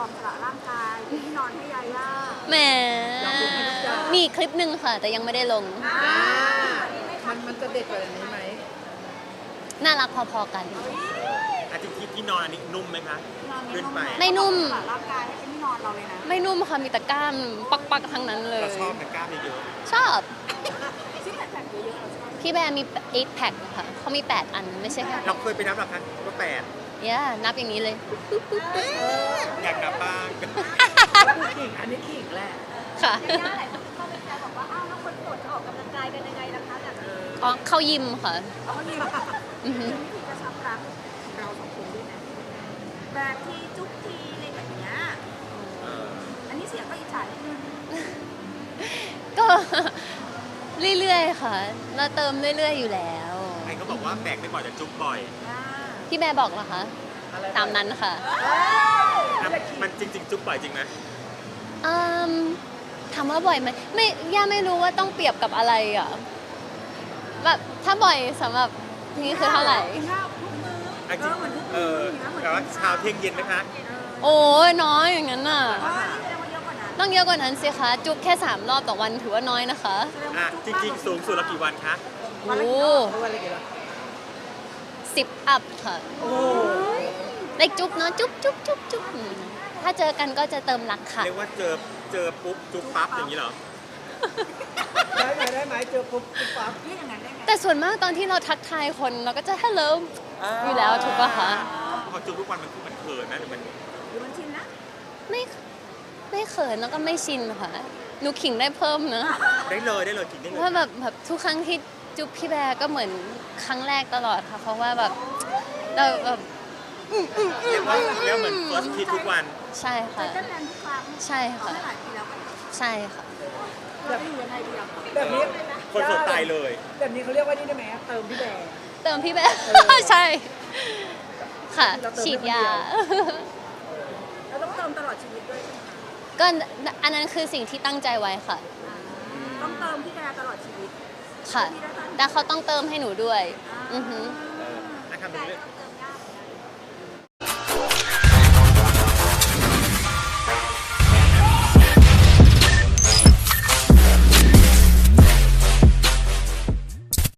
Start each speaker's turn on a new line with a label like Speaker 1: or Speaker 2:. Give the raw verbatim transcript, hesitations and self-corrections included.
Speaker 1: อมสละร่างกายเป็นที่นอนให้ยาย่า
Speaker 2: แหมมีคลิปหนึ่งค่ะ แต่ยังไม่ได้ลง
Speaker 3: อ่ามันมันจะเด็ดกว่านี้ไหม
Speaker 2: น่ารักพอๆกัน
Speaker 4: อาทิตย์ที่ที่นอนอันนี้นุ่มไหมคะ
Speaker 1: นอน
Speaker 4: ขึ้นไป
Speaker 2: ไม่นุ่ม
Speaker 1: สละร่างกายให้เป็นที่นอนเราเลยนะ
Speaker 2: ไม่นุ่มค่ะ มีแต่กล้ามปักๆทั้งนั้นเลย
Speaker 4: เราชอบแต่กล้ามเยอะ
Speaker 2: ชอบ
Speaker 1: ซิกแพคเยอะๆเราชอบ
Speaker 2: พี่แบร์มีแปดแพ็คค่ะ เขามี แปด อันไม่ใช่แค่
Speaker 4: ๆเราเคยไปนับหรอคะว่าแปด
Speaker 2: ย่านับอย่างนี้เลย
Speaker 4: อยากนับบ้าง
Speaker 3: ขิงอันนี้ขิงแหละ
Speaker 2: ค่ะ
Speaker 1: ยาย่าหลายคนเข้าไปแซวบอกว่าอ้าวแล้วคนโสดจะออกกำลังกายกันยังไงล่ะคะแบบ
Speaker 2: อ๋อเข้ายิมค่ะ
Speaker 1: เอาดีค่ะ
Speaker 2: อือฮึ
Speaker 1: วิธีกระชับรักเราสองคนด้วยนะแบบที่จุ๊บทีอะไรแบบเนี้ย
Speaker 4: เออ
Speaker 1: อันนี้เสียงก็อิจฉานิดนึง
Speaker 2: ก็ เรื่อยๆค่ะ เราเติมเรื่อยๆอยู่แล้ว
Speaker 4: ไอ้เขาบอกว่าแบกไม่บ่อยแต่จุ๊บบ่อย
Speaker 1: อ่า
Speaker 2: พี่แบร์บอกเหรอคะ
Speaker 3: อะไร
Speaker 2: ตามนั้นค่ะ
Speaker 4: อ่ะมันจริง ๆ จุ๊บบ่อยจริงไหม
Speaker 2: อืมถามว่าบ่อยไหมไม่ย่าไม่รู้ว่าต้องเปรียบกับอะไรอ่ะแบบถ้าบ่อยสำหรับนี่คือเท่าไหร่
Speaker 1: กินข้าวทุกมื้อ
Speaker 4: อ่ะจริง
Speaker 1: เหมือนทุก
Speaker 4: เอ
Speaker 1: มื้อ
Speaker 4: อ
Speaker 1: อย่างเงี้ยเหมือน
Speaker 4: แต่ว่า
Speaker 1: กิน
Speaker 4: เช้าเที่ยงเย็นไหมคะ
Speaker 2: โอ้ยน้อยอย่างนั้นน่ะ
Speaker 1: อ๋อนี่แสดงว่าเยอะกว่านั้น
Speaker 2: ต้องเยอะกว่านั้นสิคะ จุ๊บแค่สามรอบต่อวันถือว่าน้อยนะคะ
Speaker 1: แสดง
Speaker 4: อ่ะ
Speaker 1: ว่า
Speaker 4: จ
Speaker 1: จุ๊บ
Speaker 4: ริง ๆ สูงสุดละกี่วันคะ
Speaker 2: โอ้
Speaker 3: เอาอะไรกันล่ะ
Speaker 2: สิบอัพค่ะ
Speaker 3: โอ้
Speaker 2: เล็กจุ๊บเนาะจุ๊บจุ๊บจุ๊บจุ๊บอืมถ้าเจอกันก็จะเติมรักค่ะ
Speaker 4: เรียกว่าเจอเจอปุ๊บจุ๊บปั๊บอย่างนี้เหรอ
Speaker 3: ได้ไหมได้ไหมเจอปุ๊บปุ๊บปั๊บ
Speaker 1: เรียกอย่างนั้นได้ไง
Speaker 2: แต่ส่วนมากตอนที่เราทักทายคนเราก็จะ hello อยู่แล้วถูกปะคะ
Speaker 4: พอจุ๊บทุกวันมันคือมันเขินนะหรือมัน
Speaker 1: หรือมันชินนะ
Speaker 2: ไม่ไม่เขินแล้วก็ไม่ชินค่ะหนูขิงได้เพิ่มนะ
Speaker 4: ได้เลยได้เลยกินได้เลย
Speaker 2: ว่าแบบแบบทุกครั้งที่จุ๊บพี่แบร์ก็เหมือนครั้งแรกตลอดค่ะ เพราะว่าแบบเราแบบ
Speaker 4: เรียกว่าเรียกว่าเหมือน first kiss ทุกวัน
Speaker 2: ใช่
Speaker 1: ใจ
Speaker 2: ค่ะ
Speaker 1: เต้นแรงทุกครั้ง
Speaker 2: ใช่
Speaker 1: เอา
Speaker 2: ค่ะ
Speaker 1: ได้หลายปีแล้วกัน
Speaker 2: ใช่ค่ะ
Speaker 1: เราจะอยู่ยังไงดีอ่ะ
Speaker 3: แบบนี้
Speaker 4: คนสดตายเลย
Speaker 3: แบบนี้เขาเรียกว่านี่ได้ไหมเติมพี่แบร์
Speaker 2: เติมพี่แบร์ ใช่ ค่ะ ฉีดยา
Speaker 1: เราต้องเติมตลอดชีวิตด้วยใช่ไหมคะ
Speaker 2: ก็อันนั้นคือสิ่งที่ตั้งใจไว้ค่ะ
Speaker 1: ต้องเติมพี่แดตลอดชีวิต
Speaker 2: ค่ะ แต่เขาต้องเติมให้หนูด้วย อือหือ
Speaker 4: นะครับ